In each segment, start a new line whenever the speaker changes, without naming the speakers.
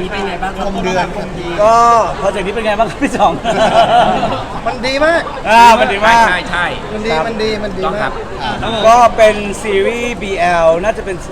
นี้เป็นไงบ้างครับ
คมเดือน
ก็โปรเจกต์นี้เป็นไงบ้างครับพี่จ่อง
มันดีมาก
มันดีมาก
ใช่
มันดีมันดี
ต้อง
มา
ครั
ก
บ
ก็เป็นซีรีส์ BL น่าจะเป็น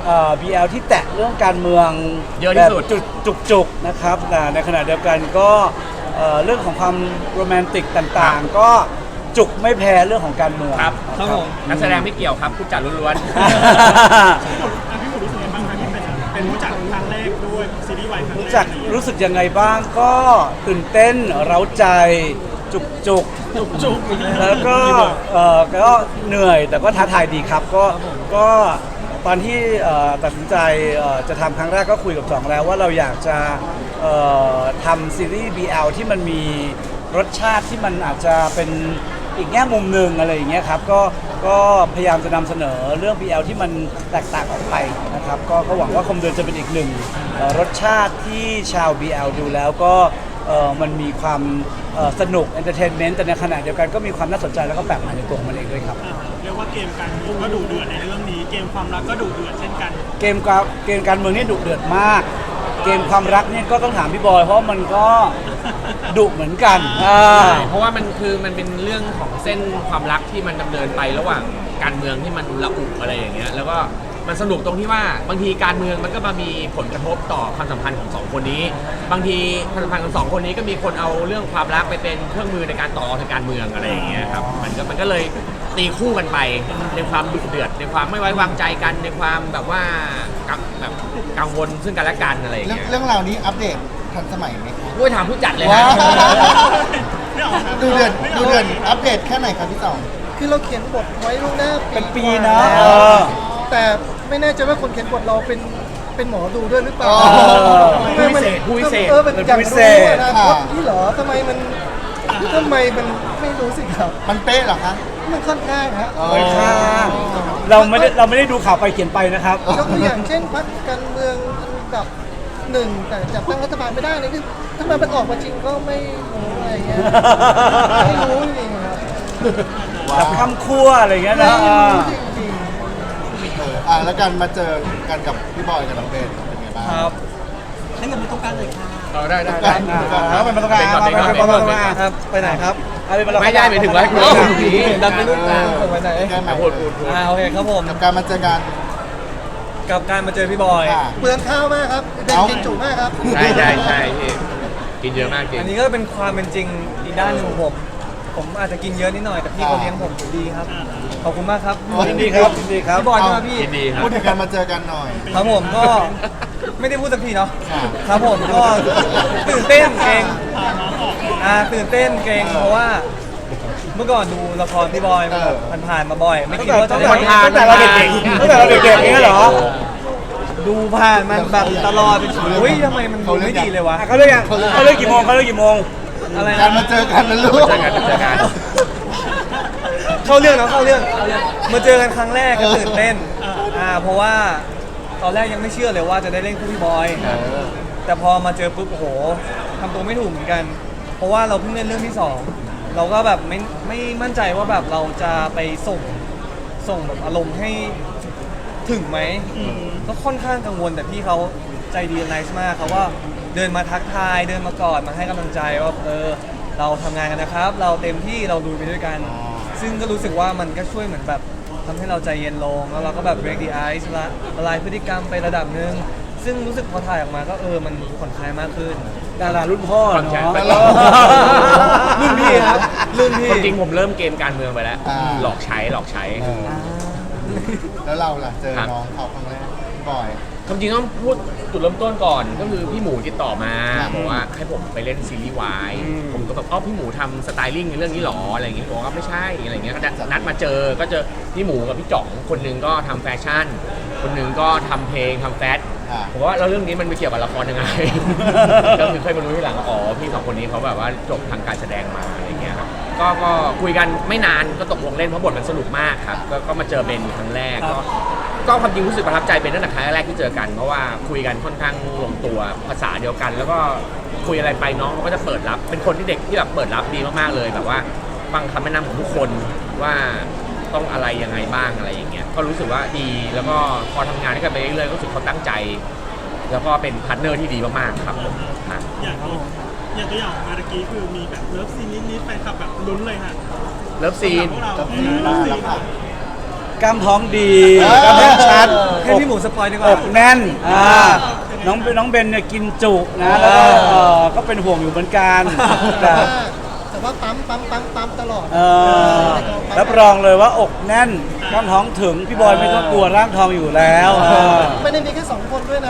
BL ที่แตะเรื่องการเมือง
เยอะที่สุด
แบบจุกๆนะครับแต่ในขณะเดียวกันก็เรื่องของความโรแมนติกต่างๆ ก็จุกไม่แพ้เรื่องของการเมือง
ครับ
ครับผม
นักแสดงไม่เกี่ยวครับผู้จัดล้วน
พี่หมูรู้สึกยังไงบ้างคะที่เป็นผู้จัดครั้งแรกด้วยซีรีส์วายครั้งแรก
รู้สึกยังไงบ้างก็ตื่นเต้นเร้าใจจุก
จุก
แล้วก็ก็เหนื่อยแต่ก็ท้าทายดีครับก็ตอนที่ตัดสินใจจะทำครั้งแรกก็คุยกับจ่องแล้วว่าเราอยากจะทำซีรีส์ BL ที่มันมีรสชาติที่มันอาจจะเป็นอีกแง่มุมหนึ่งอะไรอย่างเงี้ยครับก็พยายามจะนำเสนอเรื่อง BL ที่มันแตกต่างออกไปนะครับก็หวังว่าคมเดือนจะเป็นอีกหนึ่งรสชาติที่ชาว BL ดูแล้วก็มันมีความสนุกเอนเตอร์เทนเมนต์แต่ในขณะเดียวกันก็มีความน่าสนใจแล้วก็แปลกใหม่ในตัวของมันเองด้วยครับ
เรียกว่าเกมการเมืองก็ดุเดือดในเรื่องนี้เกมความรักก็ดุเดือดเช่นกัน
เกมการเมืองนี่ดุเดือดมาก เกมความรักนี่ก็ต้องถามพี่บอยเพราะมันก็ดุเหมือนกัน
ๆเพราะว่ามันเป็นเรื่องของเส้นความรักที่มันดำเนินไประหว่างการเมืองที่มันระอุอะไรอย่างเงี้ยแล้วก็มันสนุกตรงที่ว่าบางทีการเมืองมันก็มามีผลกระทบต่อความสัมพันธ์ของสองคนนี้ บางทีความสัมพันธ์ของสองคนนี้ก็มีคนเอาเรื่องความรักไปเป็นเครื่องมือในการต่อทางการเมืองอะไรอย่างเงี้ยครับมันก็เลยตีคู่กันไปในความดุเดือดในความไม่ไว้วางใจกันในความแบบว่าแบบกังวลซึ่งกันและกันอะไรอย่างเงี้ย
เรื่องราวนี้อัปเดตทันสมัยไหมครับ
ด้วยถามผู้จัดเลย
ว้า
ฮะ
ดูเดือนอัปเดตแค่ไหนครับพี่สองคือเราเขียนบทไว้ล่วงหน้า
เป็นปีนะ
แต่ไม่แน่ใจว่าคนเขียนบทเราเป็นหมอดูด้วยหรือเปล่า
ผู้พิเศษ
เป็นอยากรู้นะพี่เหรอทำไมมันไม่รู้สิครับ มันเป๊ะเหรอคะมันค่อนข้างฮะ
ไม่ค่ะเราไม่ได้ดูข่าวไปเขียนไปนะครับ
ยกตัวอย่างเช่นพรรคการเมืองอันดับหนึ่งแต่จับตั้งรัฐบาลไม่ได้นี่คือถ้ามันออกมาจริงก็ไม่รู้อะไรเงี้ยไม่รู้จริงๆครับ
แบบข้ามขั้วอะไรอย่างเงี้ยนะ
ไม่รู้จริงๆแล้วการมาเจอกันกับพี่บอยกับน้องเบนเป็นไงบ้าง
ครับ
ให้เงินมันต้องการเลยค่ะ
ได้
แล้วไปมาตรงกลาง
ไปก่อน
ครับไปไหนครับ
ไม่ได้หมายถึงว่าคุณดังไปนู่น
ไปไหนแก้ไหม
พูด
โอเคครับผม
กับการมาเจอกัน
กับการมาเจอพี่บอย
เปลืองข้าวมากครับเด็กกินจุมากครับ
ใช่พี่กินเยอะมากจริง
อันนี้ก็เป็นความเป็นจริงอีกด้านหนึ่งของผมอาจจะกินเยอะนิดหน่อยแต่พี่เขาเลี้ยงผมดีครับขอบคุณมากครับ
ยินดีครับยินดีครับ
พี่บอยด้วยพี่
ยินดีครับ
พูดถึงการมาเจอกันหน่อย
ครับผมก็ไม่ได้พูดสักทีเนาะ
ครับ
ครับผมก็ตื่นเต้นเกรงตื่นเต้นเกรงเพราะว่าเมื่อก่อนดูละครพี่บอยมาแบบผ่านๆมาบ่อย ไม่คิดว่าจะได้
ตั้งแต่เราเด็กๆตั้งแต่เราเด็กๆอย่างเงี้ยเหรอ
ดูผ่านมันแบบตลอดเป็นอุ้ยทำไมมันดูไม่ดีเลยวะ
เขาเลิกกี่โมง
อะไร
การ
นะ
มาเจอกันนะลูก
เจอกัน
เข้าเรื่องมาเจอกันครั้งแรกก็ตื่นเต้นเพราะว่าตอนแรกยังไม่เชื่อเลยว่าจะได้เล่นคู่พี่บอย แต่พอมาเจอปุ๊บโอ้โหทำตัวไม่ถูกเหมือนกัน เพราะว่าเราเพิ่งเล่นเรื่องที่สองเราก็แบบไม่มั่นใจว่าแบบเราจะไปส่งแบบอารมณ์ให้ถึงไหมก็ค่อนข้างกังวลแต่พี่เขาใจดีไนส์มากเขาว่าเดินมาทักทายเดินมากอดมาให้กำลังใจว่าเราทำงานกันนะครับ เราเต็มที่เราดูไปด้วยกัน ซึ่งก็รู้สึกว่ามันก็ช่วยเหมือนแบบทำให้เราใจเย็นลงแล้วเราก็แบบ break the ice ละลายพฤติกรรมไประดับหนึ่งซึ่งรู้สึกพอถ่ายออกมาก็มันผ่อนคลายมากขึ้น
ดารารุ่นพ่อเนาะ
รุ่นพี่ครับรุ่นพี่
จริงผมเริ่มเกมการเมืองไปแล้ว หลอกใช้
แล้วเราล่ะเจอน้องเขาครั้งแรกพี่บอย
ความจริงต้องพูดจุดเริ่มต้นก่อนก็คือพี่หมูติดต่อมาบอกว่าให้ผมไปเล่นซีรีส์วายผมก็แบบพี่หมูทำสไตลิ่งในเรื่องนี้หรออะไรอย่างเงี้ยบอกว่าไม่ใช่อะไรเงี้ยก็นัดมาเจอก็เจอพี่หมูกับพี่จ่องคนหนึงก็ทำแฟชั่น คนหนึงก็ทำเพลงทำแฟชั่นผมว่าแล้วเรื่องนี้มันไปเกี่ยวกับละครยังไง ก็คือค่อยมารู้ทีหลังว่าพี่สองคนนี้เขาแบบว่าจบทางการแสดงมาอะไรเงี้ยครับก็คุยกันไม่นานก็ตกลงเล่นเพราะบทมันสนุกมากครับก็มาเจอเบนครั้งแรกก็ความจริงรู้สึกประทับใจเป็นตั้งแต่ครั้งแรกที่เจอกันเพราะว่าคุยกันค่อนข้างลงตัวภาษาเดียวกัน แล้วก็คุยอะไรไปน้องเขาก็จะเปิดรับเป็นคนที่เด็กที่แบบเปิดรับดีมากๆเลยแบบว่าฟังคำแนะนำของทุกคนว่าต้องอะไรยังไงบ้างอะไรอย่างเงี้ยก็รู้สึกว่าดีแล้วก็พอทำงานด้วยกันไปเรื่อยๆก็รู้สึกเขาตั้งใจแล้วก็เป็นพาร์ทเนอร์ที่ดีมากๆครับผมครับ
อย่างตัวอย่างมาตะกี้คือมีแบบเลิฟซีนนิดๆแฟนคลับแบบลุ้นเลยค่ะ
เลิฟซีน
พวกเราเลิฟซีน
กล้ามท้องดีกล้ามแน่นชัด
ให้พี่หมูสปอยดีกว่า
อกแน่นน้องเบนเนี่ยกินจุนะแล้วก็ก็เป็นห่วงอยู่เหมือนกันแต่
แต่ว่าปั๊มตลอด
รับรองเลยว่าอกแน่นกล้ามท้องถึงพี่บอยไม่ต้องกลัวร่างทองอยู่แล้ว
ไม่ได้มีแค่2 คนด้วยนะ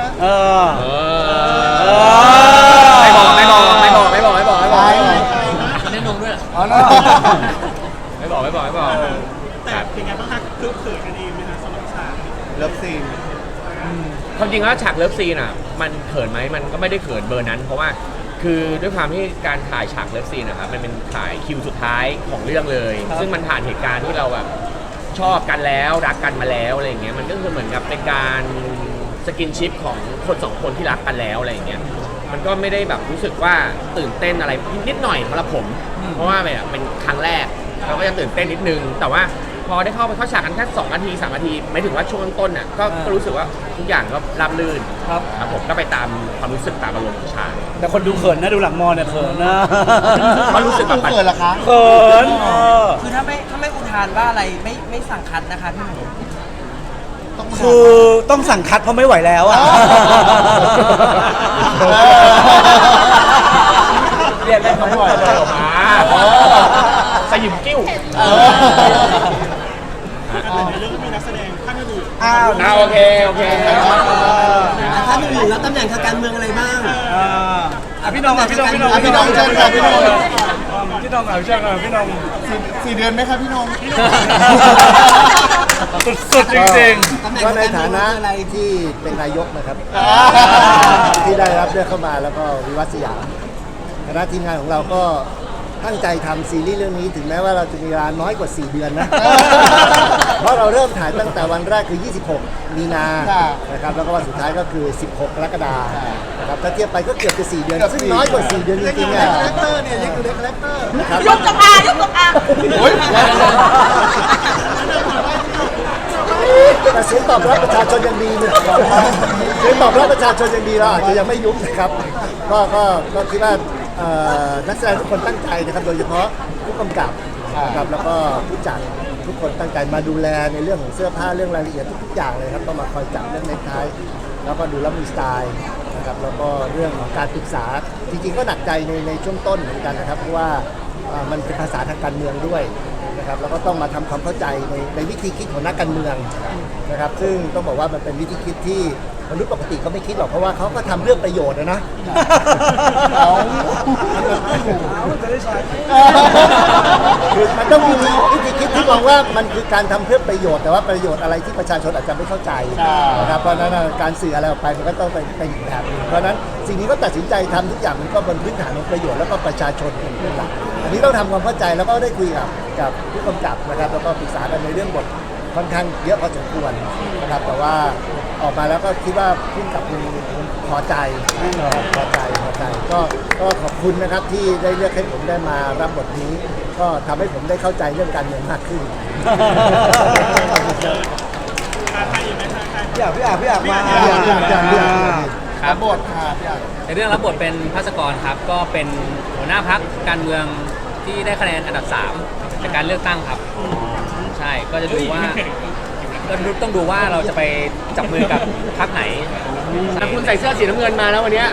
ไม่บอกไม่บอกไม่บอกไม่บอกไม่บอกไม่บอก
เล่นนมด้วย
ไม่บอกไม่บอกไม่บอก
แต่เป็นไงบ้างคะคือเขินกันเองไหมคะสำหรับฉากนี้
เลิฟซีน
ความจริงแล้วฉากเลิฟซีนอ่ะมันเขินไหมมันก็ไม่ได้เขินเบอร์นั้น เพราะว่าคือด้วยความที่การถ่ายฉากเลิฟซีนนะครับมันเป็นถ่ายคิวสุดท้ายของเรื่องเลย ซึ่งมันผ่านเหตุการณ์ที่เราแบบชอบกันแล้วรักกันมาแล้วอะไรอย่างเงี้ยมันก็คือเหมือนกับเป็นการสกินชิปของคน2 คนที่รักกันแล้วอะไรอย่างเงี้ยมันก็ไม่ได้แบบรู้สึกว่าตื่นเต้นอะไรนิดหน่อยสำหรับผม เพราะว่าแบบเป็นครั้งแรกเราก็จะตื่นเต้นนิดนึงแต่ว่าพอได้เข้าไปเข้าฉากกันแค่2 นาที 3 นาทีไม่ถึงว่าช่วงต้นน่ะก็รู้สึกว่าทุกอย่างก็ราบรื่นครับผมก็ไปตามความรู้สึกตามอารมณ์ของฉาก
แต่คนดูเขินนะดูหลังมอเนี่ยเขินนะ
มันรู้สึกแบบ
เกิดเหรอคะ
เขิน
คือถ้าไม่อุทานว่าอะไรไม่สั่งคัดนะคะพี่หมู
คือต้องสั่งคัดเพราะไม่ไหวแล้วอ่ะ
เรียกได้ทั้งหมดเลยออกมาสยิมกิ้ว
แต่ในเรื่องก็มีนักแสดงท่านอื่น
โอเคโอเค
ถ้าพี่หมูแล้วตำแหน่งทางการเมืองอะไรบ้าง
พี่น้องพี่น้อง
พี่น้องเชิญค่ะพี่น้อง
พี่น้องเชิญพี่น้อง
4 เดือนไหมครับพี่น้อง
สุดๆจริง
ตำแหน่ง
ก็
ทาง
ใน
การเมื
ฐา
อง
นะ
คืออะไร
ที่เป็นนายกนะครับ ที่ได้รับเลือกเข้ามาแล้วก็วิวัฒน์สยามคณะทีมงานของเราก็ตั้งใจทำซีรีส์เรื่องนี้ถึงแม้ว่าเราจะมีเวลาน้อยกว่า 4 เดือนนะ เพราะเราเริ่มถ่ายตั้งแต่วันแรกคือ 26 มีนานะครับแล้วก็วันสุดท้ายก็คือ 16 กรกฎาคมนะครับถ้าเทียบไปก็เกือบจะ 4 เดือน ซึ่งน้อยกว่า 4 เดือนจริงๆ
คา
อ่ะ
แรคเตอร์เนี่ยยังอยู่ในคาแรคเตอร์
นะครับ
ยกตกอายกตกอา
แต่เสียงตอบรับประชาชนยังดีเนี่ยเสียงตอบรับประชาชนยังดีเราอาจจะยังไม่ยุบนะครับก็คิดว่านักแสดงทุกคนตั้งใจนะครับโดยเฉพาะผู้กำกับนะครับแล้วก็ผู้จัดทุกคนตั้งใจมาดูแลในเรื่องของเสื้อผ้าเรื่องรายละเอียดทุกๆอย่างเลยครับต้องมาคอยจับเรื่องเน็กไทแล้วก็ดูแล้วมีสไตล์นะครับแล้วก็เรื่องของการปรึกษาจริงๆก็หนักใจในช่วงต้นเหมือนกันนะครับเพราะว่ามันเป็นภาษาทางการเมืองด้วยนะครับแล้วก็ต้องมาทำความเข้าใจในวิธีคิดของนักการเมืองนะครับซึ่งต้องบอกว่ามันเป็นวิธีคิดที่มนุษย์ปกติเขาไม่คิดหรอกเพราะว่าเขาก็ทำเรื่องประโยชน์นะคือมันต้องมีวิธีคิดที่มองว่ามันคือการทำเพื่อประโยชน์แต่ว่าประโยชน์อะไรที่ประชาชนอาจจะไม่เข้าใจนะครับเพราะฉะนั้นการสื่ออะไรออกไปมันก็ต้องเป็นอีกแบบนึงเพราะฉะนั้นสิ่งนี้ก็ตัดสินใจทำทุกอย่างมันก็บนพื้นฐานของประโยชน์แล้วก็ประชาชนเป็นหลักอันนี้ต้องทำความเข้าใจแล้วก็ได้คุยกับผู้กำกับนะครับแล้วก็ปรึกษากันในเรื่องบทค่อนข้างเยอะพอสมควรนะครับแต่ว่าออกมาแล้วก็คิดว่าผู้กำกับพอใจพอใจก็ขอบคุณนะครับที่ได้เลือกให้ผมได้มารับบทนี้ ก็ทำให้ผมได้เข้าใจเรื่องการเมืองมากขึ้น
พี่อยากมา
ครับ
บทค่ะพี่อ่ะ
ในเรื่องรับบทเป็นภาสกรครับก็เป็นหัวหน้าพักการเมืองที่ได้คะแนนอันดับ3จากการเลือกตั้งครับใช่ก็จะดูว่าก็ต้องดูว่าเราจะไปจับมือกับพรรคไหน
แต่คุณใส่เสื้อสีน้ำเงินมาแล้ววันเนี้ย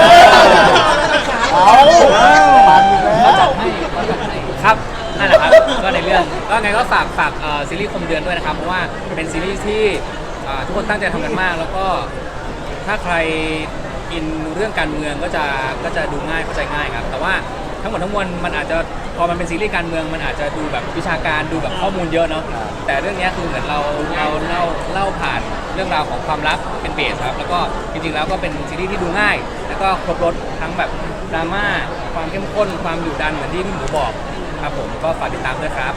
ปันอีกแล้ว
ครับนั่นแหละครับก็ในเรื่องก็ไงก็ฝากซีรีส์คมเดือนด้วยนะครับเพราะว่าเป็นซีรีส์ที่ทุกคนตั้งใจทำกันมาก แล้วก็ถ้าใครอินเรื่องการเมืองก็จะดูง่ายเข้าใจง่ายครับแต่ว่าทั้งหมดทั้งมวลมันอาจจะพอมันเป็นซีรีส์การเมืองมันอาจจะดูแบบวิชาการดูแบบข้อมูลเยอะเนาะแต่เรื่องนี้คือเหมือนเราเล่าผ่านเรื่องราวของความรักเป็นเบสครับแล้วก็จริงๆแล้วก็เป็นซีรีส์ที่ดูง่าย แล้วก็ครบรสทั้งแบบดราม่าความเข้มข้นความดุดันเหมือนที่พี่หมูบอกครับผมก็ฝากติดตามด้วยครับ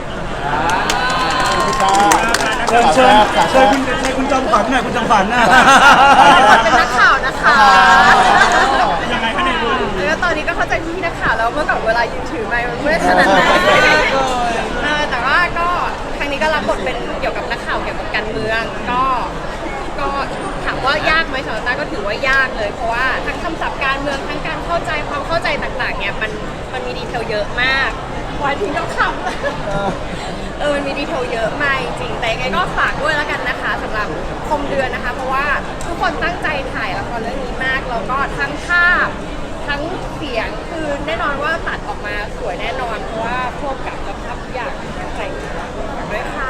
เชิญคุณจอมขวัญหน่อยคุณจอมขวัญนะ
เป็นนักข่าวนะคะ
ยังไงคะในเรื่อง
แล้วตอนนี้ก็เข้าใจพี่นักข่าวแล้วเมื่อก่อนเวลายืนถือไมค์มันไม่ได้ขนาดนั้นแต่ว่าก็ครั้งนี้ก็รับบทเป็นเกี่ยวกับนักข่าวเกี่ยวกับการเมืองก็ถามว่ายากไหมมสำหรับต้าก็ถือว่ายากเลยเพราะว่าทั้งคำศัพท์การเมืองทั้งการเข้าใจความเข้าใจต่างๆเนี่ยมันมีดีเทลเยอะมากวันที่ต้องคำมันมีดีเทลเยอะมากจริงๆแต่ยังไงก็ฝากด้วยแล้วกันนะคะสำหรับคมเดือนนะคะเพราะว่าทุกคนตั้งใจถ่ายละครเรื่องนี้มากแล้วก็ทั้งภาพทั้งเสียงคือแน่นอนว่าตัดออกมาสวยแน่นอนเพราะว่าพวกกับภาพทุกอย่างตั้งใจด้วยค่ะ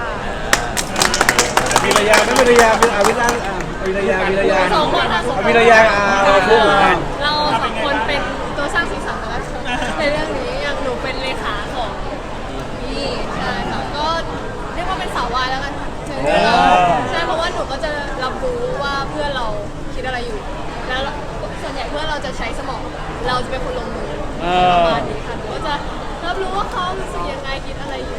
วิรยาไม่วิรยาเป็นวิรยาวิรยาวิรยา
สองคนค่ะ
วิรยาพูดกัน
เราสองคนเป็นตัวสร้างสีสันนะคะในเรื่องนี้อย่างหนูเป็นเลขาของพี่ใช่ค่ะก็เรียกว่าเป็นสาววายแล้วกันค่ะใช่เพราะว่าหนูก็จะรับรู้ว่าเพื่อนเราคิดอะไรอยู่แล้วส่วนใหญ่เพื่อนเราจะใช้สมองเราจะเป็นคนลงมือประมาณนี้ค่ะหนูก็จะรับรู้ว่าเขารู้สึกยังไงคิดอะไรอยู่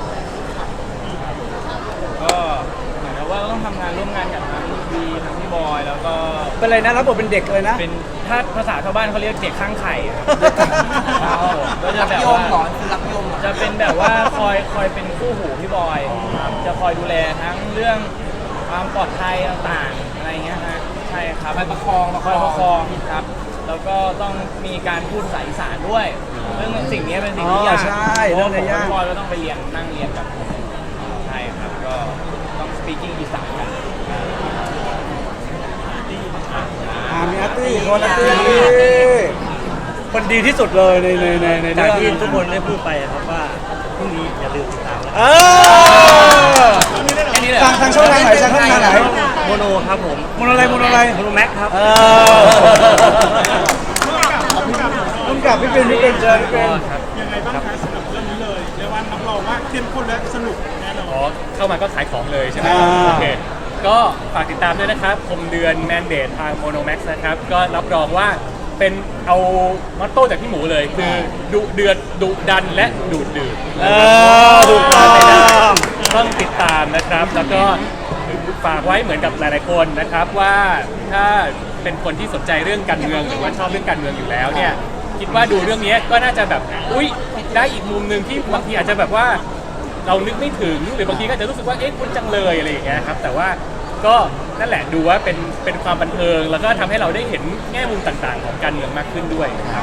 ก็เหมือนกับว่าต้องทำงานร่วมงานกับทั้งบีทั้งพี่บอยแล้วก็
เป็นอะไรนะรับบทเป็นเด็กเลยนะ
เป็นถ้าภาษาชาวบ้านเขาเรียกเด็กข้างไข่ครับก็จะ
รับ
แบบ
โยม
ว่า
เหรอคือรับโยมเหรอ
จะเป็นแบบว่าคอยเป็นคู่หูพี่บอยครับจะคอยดูแลทั้งเรื่องความปลอดภัยต่างๆอะไรเงี้ยฮะใช่ครับคอยประคองครับแล้วก็ต้องมีการพูดภาษาอีสานด้วยเรื่องสิ่งนี้เป็นสิ่งที่ยาก
ใช่เรื่องนี้ยาก
พี่บอยก็ต้องไปนั่งเรียนกับใช่ครับก็ต้อง speaking อีสานกัน
มีอาร์ตี้คนอาร์ตี้คนดีที่สุดเลยใน
จาก
เรื่อง
ที่ทุกคนได้พูดไปครับว่าพรุ่งนี้อย่าลืมติดตามนะ
ทางช่องทางไหนทางช่องทางไหน
โมโนครับผม
โมโนอะไร
โมโนแม็กครับ
รุ่นกับพี่เป็นเจอพี่เป็น
ยังไงบ้างคะสำหรับเรื่องนี้เลยเรียกว่ารับรองว่าเข้มข้นและสนุกแน่นอน
อ๋อเข้ามาก็ขายของเลยใช่ไหม
อ่า
โอเคก็ฝากติดตามด้วยนะครับคมเดือนแมนเดททางโมโนแม็กซ์นะครับก็รับรองว่าเป็นเอามอตโต้จากพี่หมูเลยคือดุเดือดดุดันและดูดดื่ม
ถูกต้อง
ต้องติดตามนะครับ แล้วก็ฝากไว้เหมือนกับหลายๆคนนะครับว่าถ้าเป็นคนที่สนใจเรื่องการเมืองหรือว่าชอบเรื่องการเมืองอยู่แล้วเนี่ยคิดว่าดูเรื่องนี้ก็น่าจะแบบอุ๊ยได้อีกมุมหนึ่งที่บางทีอาจจะแบบว่าเรานึกไม่ถึงหรือบางทีก็อาจจะรู้สึกว่าเอ๊ะคุณจังเลยอะไรอย่างเงี้ยครับแต่ว่าก็นั่นแหละดูว่าเป็นความบันเทิงแล้วก็ทำให้เราได้เห็นแง่มุมต่างๆ ของการเมืองมากขึ้นด้วยนะครับ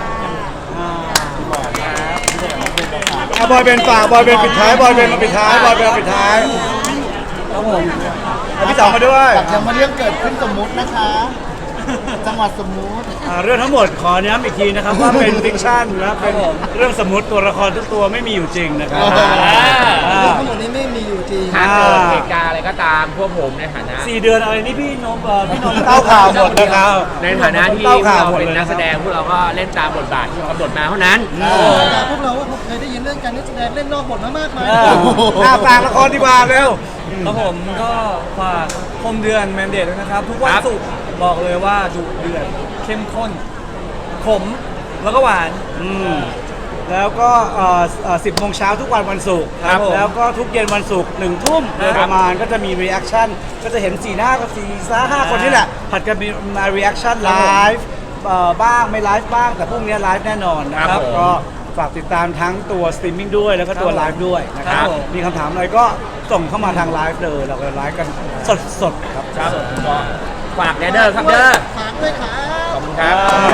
บอยเป็นฝากบอยเป็นปิดท้ายบอยเป็นมาปิดท้ายบอยเป็นมาปิดท้ายครับผมพี่สองมาด้วย
อยากจะมาเรื่องเกิดขึ้นสมมุตินะคะ จังหวัดสมมุติ
เรื่องทั้งหมดขอย้ำอีกทีนะครับว่าเป็นฟิกชันนะเป็นเรื่องสมมติตัวละครทุกตัวไม่มีอยู่จริงนะครับ
เรื่องทั้งหมดนี้ไม่มีอยู่จริง
ถ้าเกิดเหตุการณ์อะไรก็ตามพวกผมในฐานะ
4 เดือนอะไรนี่พี่นมเต้าข่าวหมดนะครับ
ในฐานะที่
เต้า
พวก
ข่าว
เรา
หมด
เป็น
เลย
นักแสดงพวกเราก็เล่นตามบทบาทที่กำหนดมาเท่านั้น
แต่พวกเราเคยได้ยินเรื่องการนักแสดงเล่นนอกบทมามากมาย
ฝากละครดีกว่าเร็ว
ครับผมก็ฝากคมเดือนแมนเดตด้วยนะครับ ทุกวันศุกร์บอกเลยว่าดุเดือดเข้มข้นขมแล้วก็หวาน
แล้วก็10 โมงเช้าทุกวันศุกร์
ครับผม
แล้วก็ทุกเย็นวันศุกร์1 ทุ่มโดยประมาณก็จะมีรีแอคชั่นก็จะเห็น4 หน้ากับ4-5 คนนี่แหละ ผัดกันมารีแอคชั่นไลฟ์บ้างไม่ไลฟ์บ้าง แต่พรุ่งนี้ไลฟ์แน่นอนนะค
ครั
รับบ
ผม
ก็ฝากติดตามทั้งตัวสตรีมมิ่งด้วยแล้วก็ตัวไลฟ์ด้วยนะครับ
ครับผม
มีคำถามอะไรก็ส่งเข้ามาทางไลฟ์เลยเราก็ไลฟ์กันสดๆครับ
ครับก็ฝากแนเดอร์ครับเด้อ
ฝากด้วยครับ
ขอบคุณครับ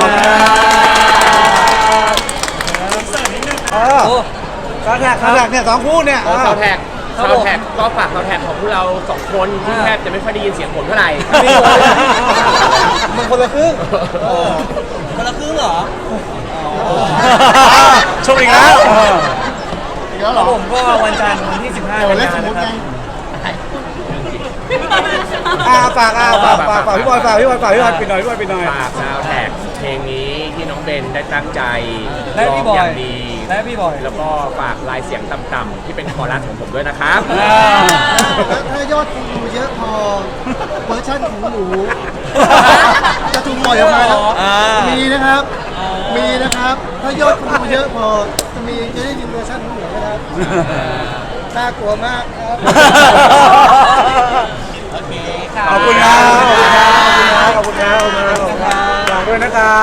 คาแท็กเนี่ย2 คู่เนี่ย
ซาวแท็กก็ฝากซาวแท็กของพวกเรา2 คนที่แทบจะไม่ค่อยได้ยินเสียงผมเท่าไหร่
มันคนละครึ่ง
คนละครึ่งเหรอ
ชมอีกแล้ว
อีกแล้ว
ค
เหร
รั
อบ
ผมก็วันจันทร์ที่15
เล่นสมมุติไง
ฝากพี่บอยปิดหน่อยปิดหน่อย
ฝากซาวแท็กเพลงนี้ที่น้องเบนได้ตั้งใจ
และพี่บ
ร้
อง
อย ย่างดี
และพี่บอย
แล้วก็ฝากลายเสียงต่ำๆที่เป็นคอรัสของผมด้วยนะครับ
ถ้ายอดคนดูเยอะพอเวอร์ชันของหนูจะถูกปล่อยออกมาแล้วมีนะครับ มีนะครับ ถ้ายอดคนดูเยอะพอจะได้ยินเวอร์ชันของหนูนะครับน่ากลัวมากครับ
โอเคค่ะ
ขอบคุณครับฝากด้วยนะครับ